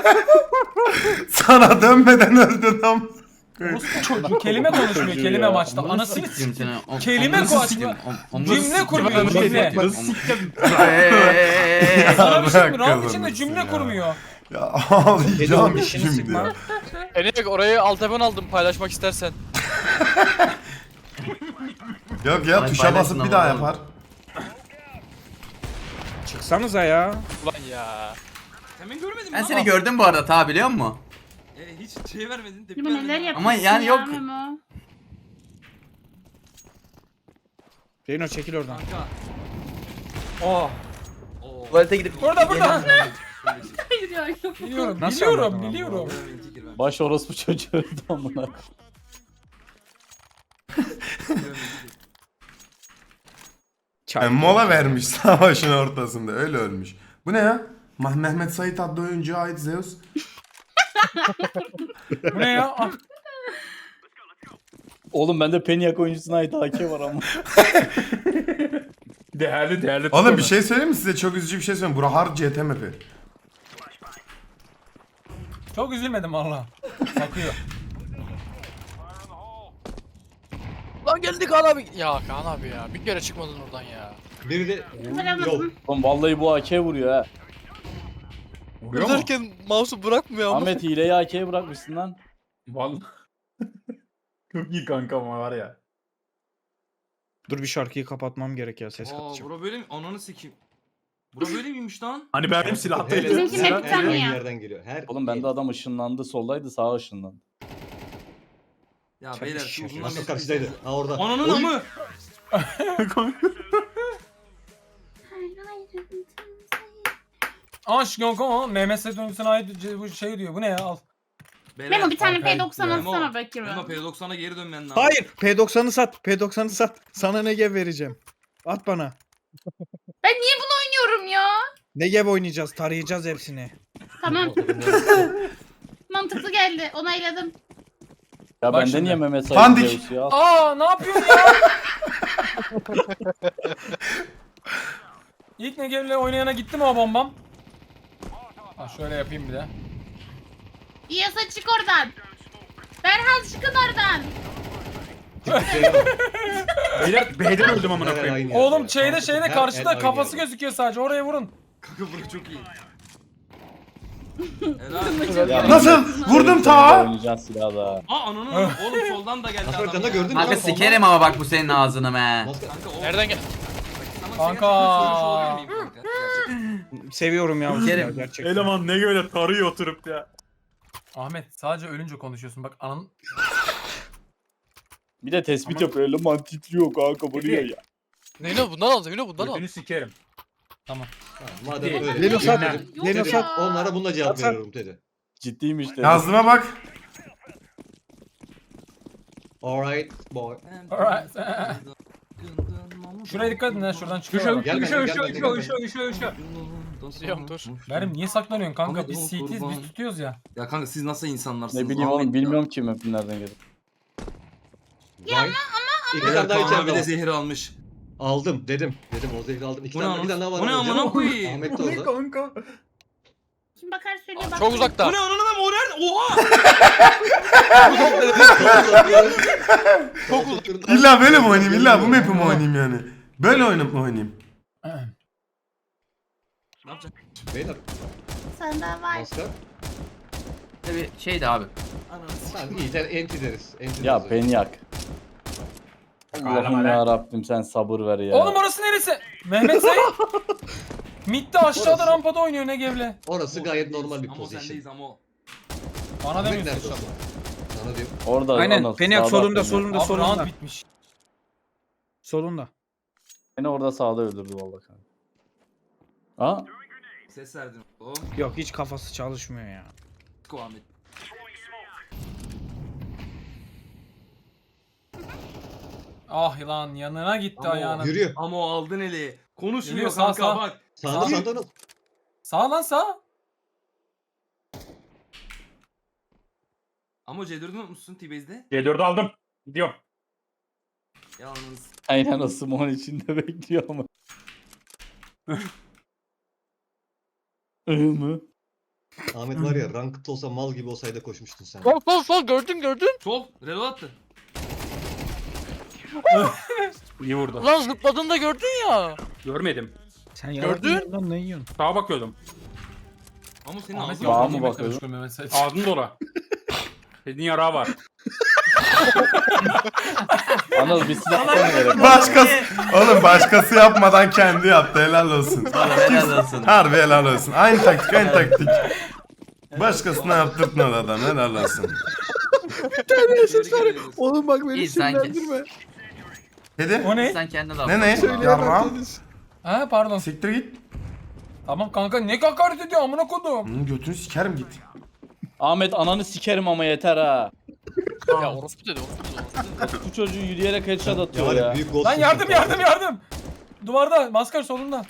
Speaker 1: Sana dönmeden öldün am.
Speaker 2: Orospu çocuğu kelime konuşmuyor
Speaker 4: Çocuğu
Speaker 2: kelime
Speaker 4: ya.
Speaker 2: maçta.
Speaker 7: Amına
Speaker 2: Anasını
Speaker 7: sikeyim seni. O-
Speaker 2: Kelime
Speaker 7: amına
Speaker 2: koç-
Speaker 7: sikeyim. Am- amına
Speaker 2: Cümle
Speaker 7: sikeyim.
Speaker 2: kurmuyor,
Speaker 7: Amına
Speaker 2: cümle.
Speaker 7: sikeyim. Eee.
Speaker 2: Sana bir şey mi?
Speaker 1: Yarrak
Speaker 2: Round içinde
Speaker 1: kazanırsın
Speaker 2: cümle
Speaker 1: ya.
Speaker 2: kurmuyor.
Speaker 1: Ya
Speaker 10: Dedi
Speaker 1: ağlayacağım
Speaker 10: oğlum, dişini
Speaker 1: şimdi
Speaker 10: sıkma.
Speaker 1: ya.
Speaker 8: Enek orayı alt taban aldım paylaşmak istersen.
Speaker 1: Yok ya
Speaker 7: Ay,
Speaker 1: tuşa
Speaker 7: paylaşın
Speaker 1: basıp bir
Speaker 7: ama
Speaker 1: daha
Speaker 7: oğlum.
Speaker 1: yapar.
Speaker 10: Çıksanıza ya.
Speaker 8: Ulan ya.
Speaker 3: Sen beni görmedin mi
Speaker 7: Ben
Speaker 3: lan?
Speaker 7: seni gördüm bu arada ta biliyor musun?
Speaker 3: E, hiç şey vermedin tepki
Speaker 6: Memo neler
Speaker 3: vermedin.
Speaker 6: yapıyorsun
Speaker 7: Ama yani
Speaker 6: ya
Speaker 7: yok.
Speaker 6: Memo?
Speaker 10: Reyno çekil oradan.
Speaker 3: Kanka.
Speaker 2: Oh.
Speaker 3: Oo.
Speaker 7: Tuvalete gidip...
Speaker 2: Burada burada.
Speaker 6: Hayır ya yok.
Speaker 2: Biliyorum
Speaker 10: Nasıl
Speaker 2: biliyorum
Speaker 10: anladın
Speaker 2: biliyorum.
Speaker 3: Görmedin, kirvem.
Speaker 4: Baş orospu çocuğu öldü amına.
Speaker 3: Görmedin.
Speaker 10: Çay.
Speaker 1: Yani mola vermiş savaşın ortasında, öyle ölmüş. Bu ne ya? Mah- Mehmet Sait adlı oyuncuya ait Zeus.
Speaker 2: Bu ne ya? Ah,
Speaker 4: Oğlum bende Peniak oyuncusuna ait A K var ama.
Speaker 9: Değerli değerli.
Speaker 1: Oğlum bir şey söyleyeyim mi size? Çok üzücü bir şey söyleyeyim. Bura hard C T map'i.
Speaker 2: çok üzülmedim valla. Bakıyor.
Speaker 8: Lan geldi Kaan abi. Ya Kaan abi ya. Bir kere çıkmadın oradan ya.
Speaker 5: Biri de
Speaker 6: Vuramadım.
Speaker 5: yok.
Speaker 4: Oğlum vallahi bu A K vuruyor ha.
Speaker 9: Vuruyor mu?
Speaker 8: Öderken mouse'u bırakmıyor ama.
Speaker 4: Ahmet hileyi A K'ye bırakmışsın lan.
Speaker 9: Vallahi. Çok iyi kanka ama var ya.
Speaker 10: Dur bir şarkıyı kapatmam gerek ya ses
Speaker 3: Aa
Speaker 10: katacağım.
Speaker 3: bura böyle mi? Ananı sikeyim. Bura böyle miymiş lan?
Speaker 9: Hani benim
Speaker 5: Her-
Speaker 9: silahtaydı.
Speaker 6: Bizimki
Speaker 5: her-
Speaker 6: hep
Speaker 5: her
Speaker 6: tanıyor.
Speaker 5: yerden geliyor. Her
Speaker 4: Oğlum bende adam ışınlandı soldaydı sağa ışınlandı.
Speaker 3: Ya
Speaker 10: Tabii
Speaker 3: beyler
Speaker 10: ki.
Speaker 3: şu uzundan
Speaker 5: Nasıl
Speaker 3: bir-
Speaker 5: karşıdaydı? Ha orada.
Speaker 3: Ananın
Speaker 5: Oy!
Speaker 3: amı.
Speaker 2: Aşk yok ama Mehmet Sait döngüsüne ait bu şey diyor. Bu ne ya al.
Speaker 3: Beyler,
Speaker 6: Memo bir tane
Speaker 2: Kankayı
Speaker 6: P doksan
Speaker 3: Memo,
Speaker 6: atsana
Speaker 3: Memo
Speaker 6: bakayım.
Speaker 3: P doksan'a geri dönmen lazım.
Speaker 10: Hayır. P doksanı sat. P doksanı sat. Sana Negev vereceğim. At bana.
Speaker 6: Ben niye bunu oynuyorum ya?
Speaker 10: Negev oynayacağız. Tarayacağız hepsini.
Speaker 6: Tamam. Mantıklı geldi. Onayladım.
Speaker 4: Ya
Speaker 2: Bak
Speaker 4: bende
Speaker 2: şimdi.
Speaker 4: niye Mehmet
Speaker 1: Pandik.
Speaker 4: Sait Zeus ya?
Speaker 2: Aa ne yapıyorsun ya? İlk Negev'le oynayana gitti mi o bombam? Ha şöyle yapayım bir de.
Speaker 6: İyasa çık oradan. Berhan çıkın oradan.
Speaker 9: Beyler B'den öldüm amına
Speaker 5: Her
Speaker 9: koyayım.
Speaker 5: aynı yerde
Speaker 2: Oğlum
Speaker 5: ya.
Speaker 2: şeyde şeyde
Speaker 5: Her-
Speaker 2: karşıda
Speaker 5: her
Speaker 2: kafası
Speaker 5: aynı yerde.
Speaker 2: gözüküyor sadece oraya vurun.
Speaker 3: Kanka bura çok iyi. Helal.
Speaker 4: Ya,
Speaker 1: Nasıl? Vurdum
Speaker 4: ta.
Speaker 1: ta.
Speaker 4: Oynayacağız silahı da.
Speaker 3: Aa ananın amı. Oğlum soldan da geldi
Speaker 5: Nasıl
Speaker 3: adam
Speaker 5: oradan da
Speaker 3: ya.
Speaker 5: gördün mü?
Speaker 7: Kanka
Speaker 5: Soldan-
Speaker 7: sikerim ama bak bu senin ağzını be.
Speaker 5: Maske-
Speaker 3: Kanka o.
Speaker 8: Nereden gel?
Speaker 3: Sana
Speaker 2: Kanka.
Speaker 3: şey yapayım, sormuş olabilir miyim kanka? Gerçekten.
Speaker 10: Seviyorum ya. bu
Speaker 7: Sikerim.
Speaker 10: silahı gerçekten.
Speaker 9: Eleman ne böyle tarıyor oturup ya.
Speaker 2: Ahmet sadece ölünce konuşuyorsun bak anın.
Speaker 4: Bir de tespit
Speaker 9: Ama-
Speaker 4: yapıyor. Eleman titriyor kanka vuruyor ya.
Speaker 8: Neylo bundan al, Neylo bundan al.
Speaker 9: Götünü sikerim.
Speaker 5: Ha, Madem
Speaker 9: Değil.
Speaker 5: öyle.
Speaker 10: Leno sat.
Speaker 5: Dedim,
Speaker 6: Yok
Speaker 10: Leno
Speaker 6: ya.
Speaker 10: sat.
Speaker 5: Onlara bununla cevap
Speaker 10: Sat.
Speaker 5: veriyorum dedi.
Speaker 4: Ciddiymiş dedi.
Speaker 1: Yazdığıma bak.
Speaker 5: Alright boy.
Speaker 2: Alright. Şuraya dikkat edin ha şuradan çıkıyor.
Speaker 5: Gel
Speaker 9: Üşü
Speaker 5: benimle,
Speaker 9: üşü
Speaker 5: gel
Speaker 9: üşü
Speaker 5: benimle,
Speaker 9: üşü üşü üşü.
Speaker 8: Biliyorum, dur.
Speaker 2: Benim niye saklanıyorsun kanka?
Speaker 3: Ahmet,
Speaker 2: Biz
Speaker 3: oğlum,
Speaker 2: C T'yiz
Speaker 3: kurban.
Speaker 2: biz tutuyoruz ya.
Speaker 3: Ya kanka siz nasıl insanlarsınız?
Speaker 4: Ne bileyim
Speaker 3: Ahmet
Speaker 4: oğlum
Speaker 3: ya.
Speaker 4: bilmiyorum ki map'in nereden geldi.
Speaker 5: Ya ama İki
Speaker 3: Evet,
Speaker 5: tane daha
Speaker 3: Kaan
Speaker 5: içeride
Speaker 3: abi de
Speaker 5: var.
Speaker 3: zehir almış.
Speaker 5: Aldım dedim. Dedim o zehri aldım. İki
Speaker 3: Bu ne
Speaker 5: tane bir tane daha
Speaker 3: amına?
Speaker 5: var.
Speaker 3: Bu ne
Speaker 5: alacağım.
Speaker 3: amına koyayım?
Speaker 5: Ahmet de
Speaker 9: Ne
Speaker 5: orada.
Speaker 9: kanka?
Speaker 6: Kim bakar söyle bak.
Speaker 8: Çok uzakta.
Speaker 3: Bu ne ananı lan o nerede? Oha!
Speaker 5: Çok uzak.
Speaker 1: İlla böyle mi oynayayım? İlla bu map'i mi oynayayım yani? Böyle oynayıp mı oynayayım?
Speaker 3: Ne yapacak?
Speaker 5: Beyler
Speaker 6: Sende var.
Speaker 5: maskar.
Speaker 7: Tabii şeydi abi.
Speaker 5: Tamam iyi sen enti deriz. Enti
Speaker 4: Ya
Speaker 5: deriz.
Speaker 4: beni yak. Allah'ım ya Rabbim sen sabır ver ya.
Speaker 2: Oğlum orası neresi? Mehmet Sait. Mid'de aşağıda
Speaker 5: Orası.
Speaker 2: rampada oynuyor Negev'le.
Speaker 5: Orası gayet normal bir
Speaker 3: Ama
Speaker 5: pozisyon.
Speaker 3: sendeyiz ama o.
Speaker 2: Bana
Speaker 5: Ahmet
Speaker 2: demiyorsun
Speaker 5: nerede
Speaker 2: inşallah.
Speaker 5: olsun? Sana diyorum.
Speaker 4: Orada
Speaker 10: Aynen.
Speaker 4: Anıl,
Speaker 10: Peniak
Speaker 4: sağda
Speaker 10: solunda
Speaker 4: Peniak.
Speaker 10: solunda
Speaker 2: Abi
Speaker 10: solunda.
Speaker 2: round bitmiş.
Speaker 10: Solunda.
Speaker 4: Beni orada sağda öldürdü vallahi kanka. Aa,
Speaker 3: Ses verdin. O.
Speaker 10: Yok hiç kafası çalışmıyor ya.
Speaker 3: Ko Ahmet.
Speaker 2: Ah lan yanına gitti
Speaker 3: Ama o,
Speaker 2: ayağının.
Speaker 5: Yürüyor.
Speaker 3: ama o aldın eli. Konuşmuyor
Speaker 2: Yürüyor, sağ,
Speaker 3: kanka
Speaker 2: sağ.
Speaker 3: bak.
Speaker 5: Sağda
Speaker 2: Sağ-
Speaker 5: sağda Anıl.
Speaker 2: Sağ lan sağ.
Speaker 3: Ama C dördü unutmuşsun T-Base'de.
Speaker 9: C dördü aldım. Gidiyorum.
Speaker 3: Yalnız.
Speaker 4: aynen o Simon içinde bekliyor ama. Iı mı?
Speaker 5: Ahmet var ya ranked olsa mal gibi olsaydı koşmuştun sen.
Speaker 8: Sol sol sol gördün gördün.
Speaker 3: Sol. Reload attı.
Speaker 9: İyi vurdu.
Speaker 8: Ulan zıpladığında gördün ya.
Speaker 9: Görmedim.
Speaker 10: Sen
Speaker 8: Gördün?
Speaker 10: yaradın lan ne yiyorsun?
Speaker 9: Sağa bakıyordum.
Speaker 3: Ama senin
Speaker 2: Ahmet
Speaker 3: ağzın
Speaker 4: Sağa
Speaker 2: yok.
Speaker 4: mı
Speaker 2: Yemekle
Speaker 4: bakıyor?
Speaker 2: meşgul Mehmet Sait.
Speaker 9: Ağzın dola. Dediğin yarağı var.
Speaker 4: Anıl bir silah mı gerek? var?
Speaker 1: Başkası. Oğlum başkası yapmadan kendi yaptı. Helal olsun.
Speaker 7: Valla helal olsun.
Speaker 1: Harbi helal olsun. Aynı taktik aynı taktik. Başkasına yaptırtmadı adam. Helal olsun.
Speaker 3: ses var.
Speaker 10: Oğlum bak beni
Speaker 7: İyi, sanki.
Speaker 10: sinirlendirme.
Speaker 1: Dedi.
Speaker 2: O ne?
Speaker 7: Sen kendine laf.
Speaker 1: Ne ne? Yarram.
Speaker 2: Ha pardon.
Speaker 1: Siktir git.
Speaker 2: Tamam kanka ne hakaret ediyor amına kodum.
Speaker 1: Hı, götünü sikerim git.
Speaker 4: Ahmet ananı sikerim ama yeter ha.
Speaker 8: Ya orospu dedi orospu dedi. orospu dedi.
Speaker 4: Bu çocuğu yürüyerek headshot
Speaker 5: Ya
Speaker 4: atıyor
Speaker 5: var ya
Speaker 4: ya.
Speaker 5: büyük gol.
Speaker 2: Lan yardım yardım yardım. Duvarda maskar solunda.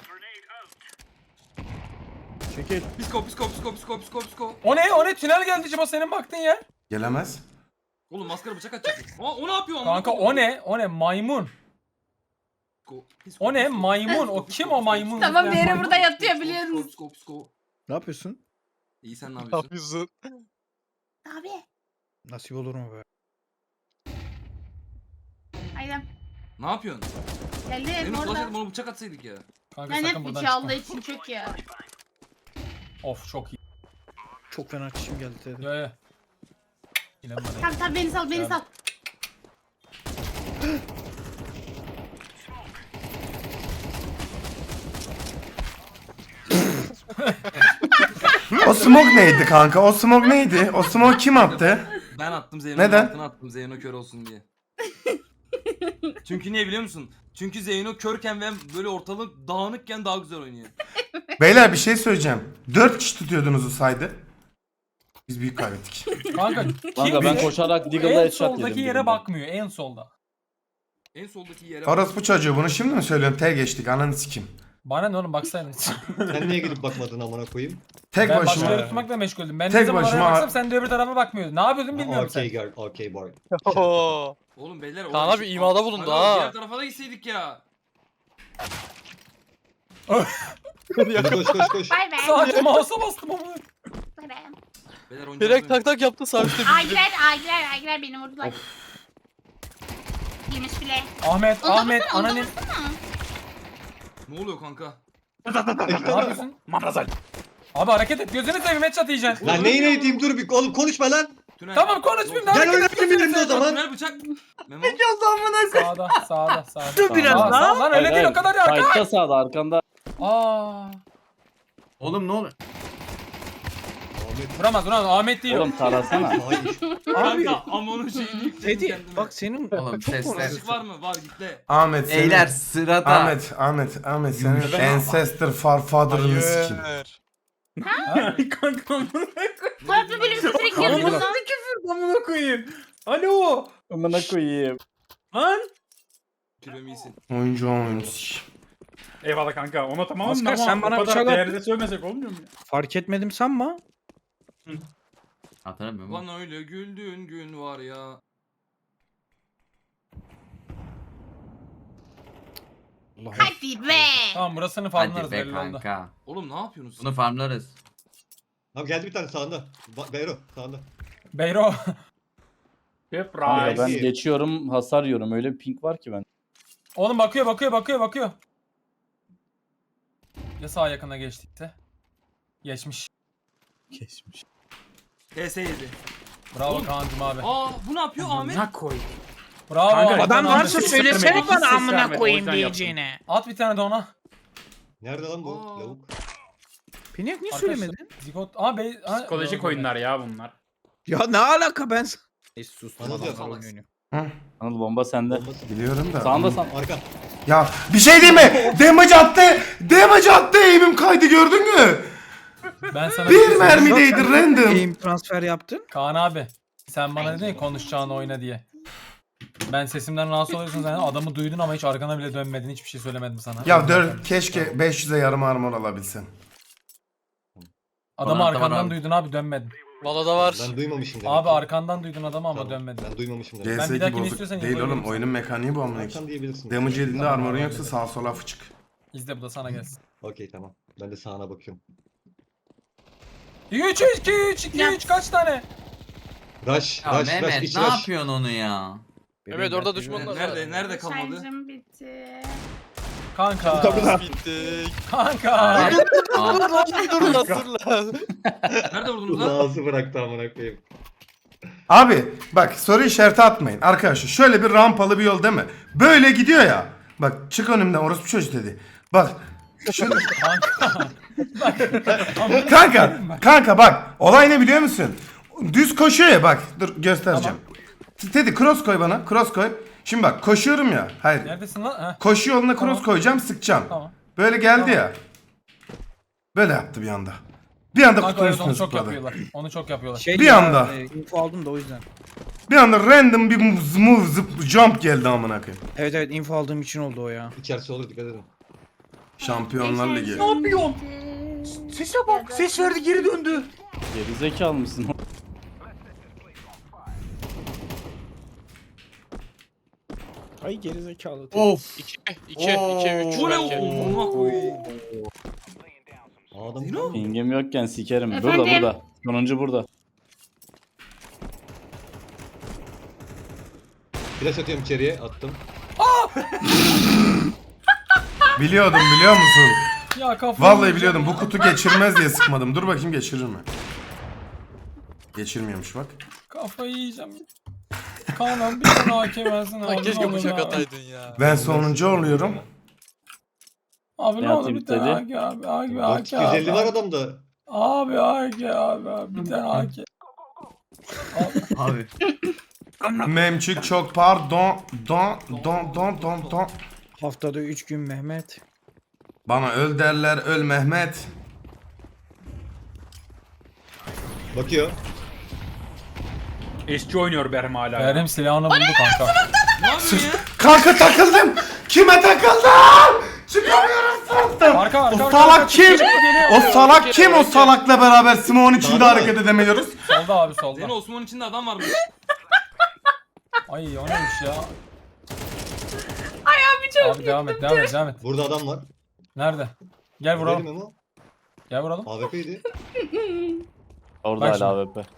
Speaker 10: Çekil.
Speaker 3: Psiko psiko psiko psiko psiko psiko.
Speaker 2: O ne o ne tünel geldi Ciba senin baktığın yer.
Speaker 1: Gelemez.
Speaker 3: Oğlum maskara bıçak atacak. Aa o ne yapıyor? amına
Speaker 2: Kanka
Speaker 3: koyayım?
Speaker 2: o ne o ne maymun.
Speaker 3: Psiko, psiko,
Speaker 2: O ne
Speaker 3: psiko.
Speaker 2: maymun o kim o maymun?
Speaker 6: Tamam bir yere
Speaker 2: Maymun.
Speaker 6: burada yatıyor
Speaker 3: Psiko,
Speaker 6: biliyorsunuz.
Speaker 3: Psiko psiko.
Speaker 10: Ne yapıyorsun?
Speaker 3: İyi sen ne
Speaker 8: Ne
Speaker 3: yapıyorsun?
Speaker 8: yapıyorsun?
Speaker 6: Abi.
Speaker 10: Nasip olur mu be?
Speaker 6: Aynen.
Speaker 3: Ne yapıyorsun?
Speaker 6: Geldi
Speaker 3: Benim
Speaker 6: orada.
Speaker 3: flash bana bıçak atsaydık ya.
Speaker 2: Kanka
Speaker 6: Ben
Speaker 2: sakın
Speaker 6: hep
Speaker 2: buradan
Speaker 6: iki Allah
Speaker 2: çıkma.
Speaker 6: için çok ya.
Speaker 2: Of çok iyi.
Speaker 10: Çok fena çişim geldi dedi.
Speaker 2: Yo yo. İnan bana.
Speaker 6: Tamam tamam beni sal beni
Speaker 2: Tamam.
Speaker 6: sal.
Speaker 1: O smoke neydi kanka? O smoke neydi? O smoke kim attı?
Speaker 3: Ben attım Zeyno'nun
Speaker 1: Neden?
Speaker 3: altına attım Zeyno kör olsun diye. Çünkü niye biliyor musun? Çünkü Zeyno körken ve böyle ortalık dağınıkken daha güzel oynuyor.
Speaker 1: Beyler bir şey söyleyeceğim. Dört kişi tutuyordunuz o saydı. Biz büyük kaybettik.
Speaker 2: Kanka kim
Speaker 4: Kanka ben koşarak Deagle'da
Speaker 2: en
Speaker 4: headshot yedim.
Speaker 2: soldaki yere
Speaker 4: birinde.
Speaker 2: bakmıyor en solda.
Speaker 3: En soldaki yere
Speaker 1: Orospu çocuğu bunu şimdi mi söylüyorum? Tel geçtik ananı sikim.
Speaker 2: Bana ne oğlum baksaydın.
Speaker 5: Sen niye gidip bakmadın amına koyayım?
Speaker 1: Tek
Speaker 2: Ben
Speaker 1: başıma.
Speaker 2: başka yere tutmakla meşguldüm. Ben
Speaker 1: Tek
Speaker 2: ne zaman oraya
Speaker 1: başıma-
Speaker 2: baksam sen de öbür tarafa bakmıyordun. Ne yapıyordun bilmiyorum
Speaker 5: Okey
Speaker 2: sen.
Speaker 5: girl, okey boy.
Speaker 8: Oo.
Speaker 3: Oğlum beyler
Speaker 8: Kaan
Speaker 3: orada
Speaker 8: abi
Speaker 3: şey-
Speaker 8: imada bulundu
Speaker 3: Aga,
Speaker 8: ha.
Speaker 3: Diğer tarafa da gitseydik ya.
Speaker 5: Hadi koş koş koş.
Speaker 6: Bay bay.
Speaker 2: Sadece mouse'a bastım ama.
Speaker 6: Bay bay.
Speaker 3: Beyler oyuncağız
Speaker 8: Direkt
Speaker 3: oynuyor.
Speaker 8: tak tak yaptı sabit.
Speaker 6: Aygiler, Aygiler, Aygiler beni vurdular. Yemiş bile.
Speaker 2: Ahmet,
Speaker 6: Onu da
Speaker 2: Ahmet,
Speaker 6: vursana, onu da
Speaker 2: ananı.
Speaker 6: vursana.
Speaker 3: Ne oluyor kanka?
Speaker 2: Ne yapıyorsun? Abi hareket et. Gözünü seveyim headshot yiyeceksin.
Speaker 5: Lan neyi ne diyeyim dur bir oğlum konuşma lan.
Speaker 3: Tünel.
Speaker 2: Tamam konuşmayayım da
Speaker 5: Gel
Speaker 2: hareket
Speaker 5: oynatayım benimle o zaman.
Speaker 3: Tünel bıçak. Memo.
Speaker 2: Sağda, sağda, sağda.
Speaker 4: Dur biraz
Speaker 2: Sağ,
Speaker 4: daha.
Speaker 2: sağ, lan öyle değil o kadar ya.
Speaker 4: Fight'ta sağda arkanda.
Speaker 2: Aa.
Speaker 7: Oğlum ne oluyor?
Speaker 2: Vuramaz, vuramaz. Ahmet değil o.
Speaker 4: Oğlum tarasana.
Speaker 5: Hayır.
Speaker 10: Abi.
Speaker 3: Kanka ama onun şeyini yükledim
Speaker 10: Teddy
Speaker 3: kendime.
Speaker 10: bak senin
Speaker 7: Oğlum
Speaker 10: çok
Speaker 7: sesler.
Speaker 10: konuşuyorsun.
Speaker 3: Işık var mı? Var gitle.
Speaker 1: Ahmet senin.
Speaker 7: Beyler sırada.
Speaker 1: Ahmet, Ahmet, Ahmet senin ancestor farfather'ını sikim.
Speaker 9: Kanka amına
Speaker 6: Farklı bölüm sesini
Speaker 9: koyayım.
Speaker 6: girdim lan.
Speaker 9: küfür amına koyayım. Alo.
Speaker 4: Amına koyayım.
Speaker 9: Lan.
Speaker 3: Kilom iyisin.
Speaker 1: Oyuncu oyuncu sikim.
Speaker 9: Eyvallah kanka. Ona tamam
Speaker 10: Oscar,
Speaker 9: ama
Speaker 10: sen bana
Speaker 9: o kadar
Speaker 10: bıçak at.
Speaker 9: değerde sövmesek olmuyor mu?
Speaker 10: Fark etmedim sanma.
Speaker 7: Hatırlamıyorum.
Speaker 3: Bana öyle güldüğün gün var ya.
Speaker 6: Hadi be.
Speaker 2: Tamam burasını
Speaker 7: Hadi
Speaker 2: farmlarız
Speaker 7: be
Speaker 2: belli oldu.
Speaker 7: kanka.
Speaker 3: Oğlum ne yapıyorsunuz?
Speaker 7: Bunu farmlarız.
Speaker 5: Abi geldi bir tane sağında. Ba Beyro sağında.
Speaker 2: Beyro.
Speaker 9: Hep
Speaker 4: Kanka
Speaker 9: rise.
Speaker 4: ben
Speaker 5: iyi.
Speaker 4: geçiyorum hasar yiyorum. Öyle bir ping var ki ben.
Speaker 2: Oğlum bakıyor, bakıyor, bakıyor, bakıyor. Ya sağ yakına geçtikse? Geçmiş.
Speaker 4: Geçmiş.
Speaker 3: T S yedi.
Speaker 2: Bravo
Speaker 3: Oğlum.
Speaker 2: Kaan'cım abi.
Speaker 3: Aa bu ne yapıyor Ahmet?
Speaker 9: Ne koy.
Speaker 2: Bravo.
Speaker 9: Kanka,
Speaker 2: Ahmet,
Speaker 10: Adam
Speaker 2: Ahmet.
Speaker 10: varsa
Speaker 9: hiç
Speaker 10: söylesene
Speaker 9: vermedi,
Speaker 10: bana
Speaker 9: hiç ses
Speaker 10: amına
Speaker 9: vermedi, o
Speaker 10: koyayım
Speaker 9: yüzden
Speaker 10: diyeceğine.
Speaker 2: At bir tane de ona.
Speaker 5: Nerede lan bu
Speaker 3: Aa.
Speaker 5: lavuk?
Speaker 10: Peniak niye
Speaker 2: Arkadaşlar,
Speaker 10: söylemedin?
Speaker 2: Zigot. Aa bey. ha,
Speaker 9: Psikolojik
Speaker 2: doğru,
Speaker 9: oyunlar ya bunlar.
Speaker 10: Ya ne alaka ben... Neyse sustum
Speaker 5: Anladın
Speaker 10: adamlar
Speaker 5: mı?
Speaker 10: oyun oynuyor.
Speaker 1: Hı,
Speaker 4: Anıl bomba sende.
Speaker 5: Bombası.
Speaker 1: biliyorum da.
Speaker 4: Sağında sağ.
Speaker 5: Arka.
Speaker 1: Ya bir şey değil mi? Damage attı. Damage attı. Aim'im kaydı gördün mü?
Speaker 2: Ben sana
Speaker 1: Bir
Speaker 2: şey
Speaker 1: mermideydi
Speaker 10: Zaten
Speaker 1: random.
Speaker 10: Aim transfer yaptın.
Speaker 2: Kaan abi. Sen bana dedin ya konuşacağını oyna diye. Ben sesimden rahatsız oluyorsun zaten. Adamı duydun ama hiç arkana bile dönmedin. Hiçbir şey söylemedim sana.
Speaker 1: Ya dört keşke beş yüze yarım armor alabilsem.
Speaker 2: Adamı
Speaker 7: Bana da var
Speaker 2: arkandan
Speaker 7: abi.
Speaker 2: duydun abi dönmedin.
Speaker 8: Valla da var.
Speaker 5: Ben duymamışım demek.
Speaker 2: Abi
Speaker 5: ki.
Speaker 2: arkandan duydun adamı ama
Speaker 5: Tamam,
Speaker 2: dönmedin.
Speaker 5: Ben duymamışım demek.
Speaker 2: Ben bir
Speaker 1: C S iki
Speaker 2: dahakini
Speaker 1: bozuk
Speaker 2: istiyorsan
Speaker 1: değil
Speaker 2: info
Speaker 1: oğlum.
Speaker 2: veririm
Speaker 1: Oyunun mekaniği bu amına
Speaker 5: Arkan
Speaker 1: koyayım.
Speaker 5: diyebilirsin.
Speaker 1: Damage yediğinde
Speaker 2: Tamam,
Speaker 1: armorun
Speaker 2: tamam,
Speaker 1: yoksa
Speaker 2: öyle.
Speaker 1: sağa sola fıçık.
Speaker 2: İzle bu da sana gelsin.
Speaker 5: Okey tamam. Ben de sağına bakıyorum.
Speaker 2: üç iki üç iki üç kaç tane?
Speaker 5: Rush,
Speaker 7: Ya
Speaker 5: rush, rush,
Speaker 7: Mehmet
Speaker 5: iç
Speaker 7: ne
Speaker 5: rush.
Speaker 7: yapıyorsun onu ya?
Speaker 8: Evet orada düşmanlar var.
Speaker 3: Nerede nerede kalmadı?
Speaker 6: Şarjım bitti.
Speaker 2: Kanka.
Speaker 8: Bitti.
Speaker 2: Kanka.
Speaker 7: Aa,
Speaker 8: Dur lan dur lan.
Speaker 3: Nerede vurdunuz lan?
Speaker 5: Ağzı bıraktı amına koyayım.
Speaker 1: Abi bak soru işareti atmayın. Arkadaşlar şöyle bir rampalı bir yol değil mi? Böyle gidiyor ya. Bak çık önümden orospu çocuk dedi. Bak. Şunu...
Speaker 2: Kanka.
Speaker 1: kanka. Kanka bak. Olay ne biliyor musun? Düz koşuyor ya bak. Dur göstereceğim. Teddy cross koy bana. Cross koy. Şimdi bak koşuyorum ya. Hayır.
Speaker 2: Neredesin lan? Ha,
Speaker 1: Koşu yoluna cross
Speaker 2: Tamam.
Speaker 1: koyacağım sıkacağım.
Speaker 2: tamam.
Speaker 1: Böyle geldi ya. Böyle yaptı bir anda. Bir anda
Speaker 2: Kanka
Speaker 1: kutunun
Speaker 2: evet onu
Speaker 1: üstüne
Speaker 2: çok
Speaker 1: zıpladı.
Speaker 2: yapıyorlar. Onu çok yapıyorlar.
Speaker 10: Şey
Speaker 1: Bir
Speaker 10: ya,
Speaker 1: anda.
Speaker 10: e, info aldım da o yüzden.
Speaker 1: Bir anda random bir move, move zıp, jump geldi amına koyayım.
Speaker 10: Evet evet info aldığım için oldu o ya.
Speaker 5: İçerisi olur dikkat edin.
Speaker 1: Şampiyonlar Ligi.
Speaker 6: Ne yapıyorsun?
Speaker 10: Sese bak ses verdi geri döndü.
Speaker 4: Geri zekalı mısın?
Speaker 10: Ay geri zekalı.
Speaker 7: Of.
Speaker 8: iki, iki, iki, üç.
Speaker 3: Bu ne
Speaker 8: belki.
Speaker 3: amına koyayım?
Speaker 5: Adam
Speaker 3: Zino?
Speaker 4: Pingim yokken sikerim.
Speaker 6: Efendim?
Speaker 4: Burada burada. Sonuncu burada.
Speaker 5: flash atıyorum içeriye attım.
Speaker 1: Biliyordum biliyor musun?
Speaker 2: Ya kafam.
Speaker 1: Vallahi biliyordum bu kutu geçirmez diye sıkmadım. Dur bakayım geçirir mi? Geçirmiyormuş bak.
Speaker 2: Kafayı yiyeceğim. Kaan'ım bir tane hakem versin abi.
Speaker 8: Lan keşke
Speaker 2: ne olur
Speaker 8: bıçak
Speaker 2: abi.
Speaker 8: ataydın ya.
Speaker 1: Ben sonuncu oluyorum.
Speaker 2: Abi ne
Speaker 4: Ne
Speaker 2: olur
Speaker 4: atayım
Speaker 2: bir tane
Speaker 4: dedi?
Speaker 2: A K abi. A K
Speaker 5: Bak
Speaker 2: A K
Speaker 5: iki yüz elli
Speaker 2: abi.
Speaker 5: var adamda.
Speaker 2: Abi A K abi. abi. Bir tane A K.
Speaker 7: Abi.
Speaker 1: Memçük çok pardon. Don don don don don.
Speaker 10: Haftada üç gün Mehmet.
Speaker 1: Bana öl derler öl Mehmet.
Speaker 5: Bakıyor.
Speaker 9: Eski oynuyor Berem hala.
Speaker 2: Benim silahını buldu kanka.
Speaker 3: Ne yapıyorsun ya?
Speaker 1: Kanka takıldım. Kime takıldım? Çıkamıyorum sınıftan.
Speaker 2: Arka arka
Speaker 1: O
Speaker 2: arka,
Speaker 1: salak
Speaker 2: arka.
Speaker 1: kim? O salak kim? O salakla beraber Smoke'un içinde
Speaker 5: Sağda mı?
Speaker 1: hareket edemiyoruz.
Speaker 2: Solda abi solda.
Speaker 3: Zeyno Osman'ın içinde adam varmış.
Speaker 2: Ay o neymiş ya?
Speaker 6: Ay abi çok
Speaker 2: Abi devam et devam et devam et.
Speaker 5: Burada adam var.
Speaker 2: Nerede? Gel
Speaker 5: Vuralım
Speaker 2: vuralım.
Speaker 5: ama.
Speaker 2: Gel vuralım.
Speaker 5: A W P'ydi.
Speaker 4: Orada
Speaker 2: Bak
Speaker 4: hala A W P.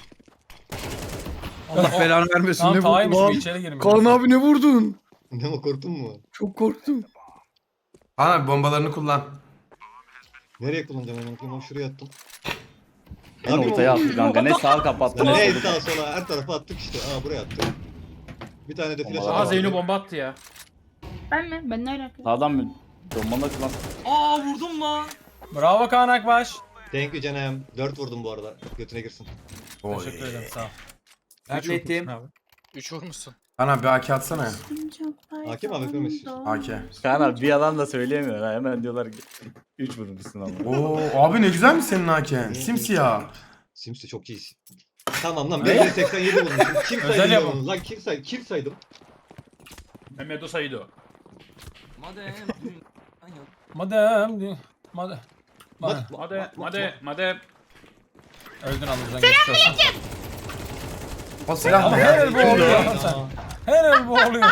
Speaker 10: Allah belanı vermesin.
Speaker 2: Tamam
Speaker 10: ne
Speaker 2: tağıymış
Speaker 10: vurdun
Speaker 2: bu
Speaker 10: abi?
Speaker 2: içeri girmiş.
Speaker 10: Kaan abi ne vurdun?
Speaker 5: Ne o korktun mu?
Speaker 10: Çok korktum.
Speaker 1: Ana bombalarını kullan.
Speaker 5: Nereye kullanacağım onu? Ben şuraya attım.
Speaker 4: En
Speaker 5: Abi
Speaker 4: ortaya
Speaker 5: o-
Speaker 4: attı kanka. Ne sağa kapattı ne
Speaker 5: Ne
Speaker 4: solu.
Speaker 5: sağa sola her tarafa attık işte. Aa buraya attık. Bir tane de flash
Speaker 4: Bomba-
Speaker 9: Aha
Speaker 5: attık.
Speaker 9: Zeyno bomba attı ya.
Speaker 6: Ben mi? Ben ne alaka?
Speaker 4: Sağdan mı? Bombanı lan.
Speaker 3: Aa vurdum lan.
Speaker 2: Bravo Kaan Akbaş.
Speaker 5: Thank you canım. dört vurdum bu arada. Götüne girsin.
Speaker 1: Oy.
Speaker 2: Teşekkür ederim sağ ol.
Speaker 7: Naklettim.
Speaker 8: üç vurmuşsun.
Speaker 1: Ana bir A K atsana ya.
Speaker 5: Hakim abi yapıyormuş.
Speaker 1: A K.
Speaker 4: Kaan abi bir yalan da söyleyemiyor. Ha. Hemen diyorlar ki üç vurmuşsun ama.
Speaker 1: Oo abi ne güzel mi senin A K'n? Simsiyah.
Speaker 5: Simsi çok iyi. Tamam lan ben seksen yedi vurmuşum. Kim
Speaker 2: Özel
Speaker 5: saydı
Speaker 2: yapım.
Speaker 5: onu? Lan kim saydı? Kim saydım?
Speaker 9: Mehmet o saydı o.
Speaker 3: Madem.
Speaker 2: Madem. Madem. Madem.
Speaker 9: Hadi hadi hadi.
Speaker 2: Öldün anımızdan geçmiş olsun.
Speaker 1: O silah
Speaker 2: Ama
Speaker 1: ne
Speaker 2: her
Speaker 1: ya?
Speaker 2: el bu oluyor lan sen. Her el bu oluyor.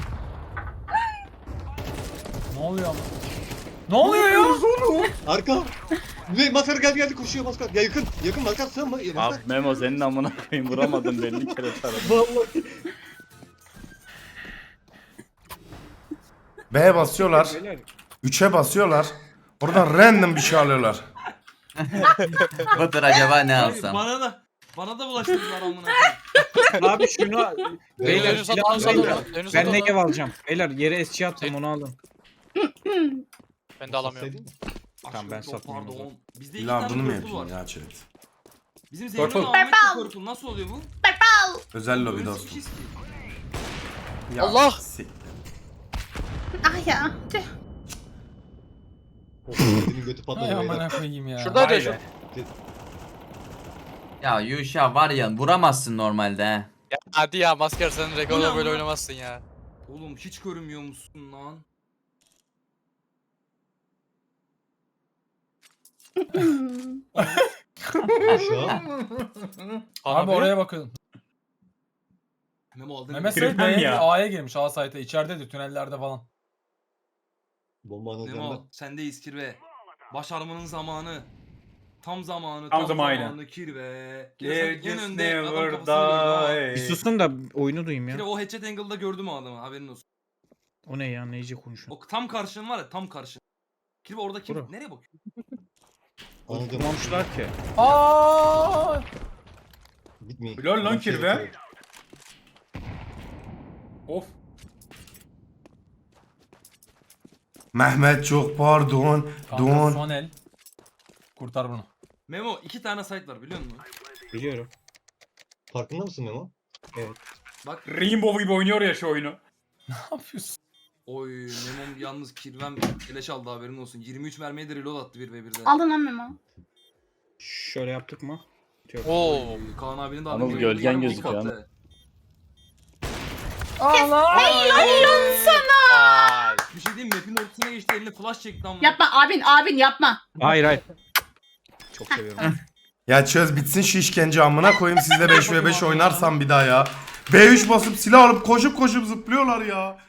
Speaker 2: Ne oluyor ama? Ne oluyor ya?
Speaker 5: Arka. Ne maskar geldi geldi koşuyor maskar. Ya yakın. Yakın maskar sığınma. Ya
Speaker 4: Abi
Speaker 5: maskar.
Speaker 4: Memo senin amına koyayım vuramadın belli kere taradım.
Speaker 5: Vallahi.
Speaker 1: B'ye basıyorlar. üçe basıyorlar. Oradan random bir şey alıyorlar.
Speaker 7: Batur acaba ne
Speaker 3: Abi,
Speaker 7: alsam?
Speaker 3: bana da bana da bulaştırdılar amına koyayım.
Speaker 10: Abi şunu beyler
Speaker 8: Dönüş
Speaker 10: silah
Speaker 8: at,
Speaker 10: almayın.
Speaker 8: dönüş at, dönüş
Speaker 10: Ben
Speaker 8: at.
Speaker 10: Negev alacağım. Beyler yere S C attım onu alın.
Speaker 8: Ben de alamıyorum.
Speaker 5: Saydın mı?
Speaker 10: Tamam, ben
Speaker 3: Aşkım, çok
Speaker 10: satmayayım o
Speaker 3: Pardon. Bizde iki
Speaker 1: İlla
Speaker 3: tane
Speaker 1: bunu mu
Speaker 3: purple var.
Speaker 1: yapayım ya chat?
Speaker 3: Bizim
Speaker 9: Purple.
Speaker 3: Zeyno'nun Ahmet'le
Speaker 6: Purple.
Speaker 3: purple. Nasıl oluyor bu?
Speaker 6: Purple.
Speaker 1: Özel lobi
Speaker 3: Böyle
Speaker 1: dostum.
Speaker 3: sıkışız ki.
Speaker 1: Ya,
Speaker 8: Allah!
Speaker 1: sik-
Speaker 6: Ah ya. Tüh.
Speaker 5: Of, Senin götü
Speaker 2: Ay
Speaker 5: patladı beyler.
Speaker 2: amına koyayım ya.
Speaker 8: Şuradaydı
Speaker 9: Vay
Speaker 8: şu.
Speaker 9: be.
Speaker 7: Ya Yuşa var ya vuramazsın normalde he.
Speaker 8: Ya hadi ya masker sen
Speaker 3: Bu ne
Speaker 8: rekorla böyle
Speaker 3: amına?
Speaker 8: oynamazsın ya.
Speaker 3: Oğlum hiç görünmüyor musun lan?
Speaker 5: Şu an.
Speaker 2: Abi oraya bakın.
Speaker 3: Memo aldın.
Speaker 2: Mehmet
Speaker 3: mı?
Speaker 2: Seyit
Speaker 9: Kırpmam
Speaker 2: B'ye
Speaker 9: ya.
Speaker 2: A'ya girmiş A site'e. İçeridedir tünellerde falan.
Speaker 5: Bombanın üzerinden.
Speaker 3: Memo sendeyiz kirve. Başarmanın zamanı. Tam zamanı.
Speaker 9: Tam zamanı.
Speaker 3: zamanı kirve.
Speaker 9: There
Speaker 3: Kirve en
Speaker 9: just
Speaker 3: önde adam
Speaker 9: never
Speaker 3: kafasını vurdu.
Speaker 9: die.
Speaker 10: Bir susun da oyunu duyayım
Speaker 3: Kirve
Speaker 10: ya.
Speaker 3: o headshot angle'da gördüm o adamı haberin olsun.
Speaker 10: O ne ya neyce konuşuyor.
Speaker 3: O tam karşın var ya tam karşın. Kirve orada kim?
Speaker 10: Bura.
Speaker 3: Nereye bakıyor?
Speaker 5: Anladım.
Speaker 10: Kurmamışlar ki.
Speaker 2: Aa!
Speaker 5: Gitmeyin.
Speaker 9: Helal lan
Speaker 5: Bir şey
Speaker 9: kirve.
Speaker 5: yapıyorum.
Speaker 9: Of.
Speaker 1: Mehmet çok pardon.
Speaker 2: Kanka
Speaker 1: Don.
Speaker 2: son el. Kurtar bunu.
Speaker 3: Memo iki tane site var biliyor musun?
Speaker 10: Biliyorum.
Speaker 5: Farkında mısın Memo?
Speaker 3: Bak.
Speaker 9: Rainbow gibi oynuyor ya şu oyunu.
Speaker 2: Ne yapıyorsun?
Speaker 3: Oy Memo'm yalnız kirvem keleş aldı haberin olsun. yirmi üç mermiye de reload attı bir ve birde.
Speaker 6: Aldın lan Memo.
Speaker 10: Şöyle yaptık mı?
Speaker 8: Oo.
Speaker 3: Oy, Kaan abinin de
Speaker 4: Anıl
Speaker 3: adını
Speaker 4: gölgen
Speaker 3: görüyorum,
Speaker 4: gözüküyor
Speaker 3: bozuk
Speaker 4: Anıl.
Speaker 3: attı.
Speaker 6: Helal sana.
Speaker 8: Ay.
Speaker 3: Bir şey diyeyim mi? Map'in ortasına geçti eline flash çekti ama.
Speaker 6: Yapma abin abin yapma.
Speaker 10: Hayır hayır. Çok seviyorum.
Speaker 1: Ya çöz bitsin şu işkence amına koyayım sizle beş ve beş oynarsam bir daha ya. B üç basıp silah alıp koşup koşup zıplıyorlar ya.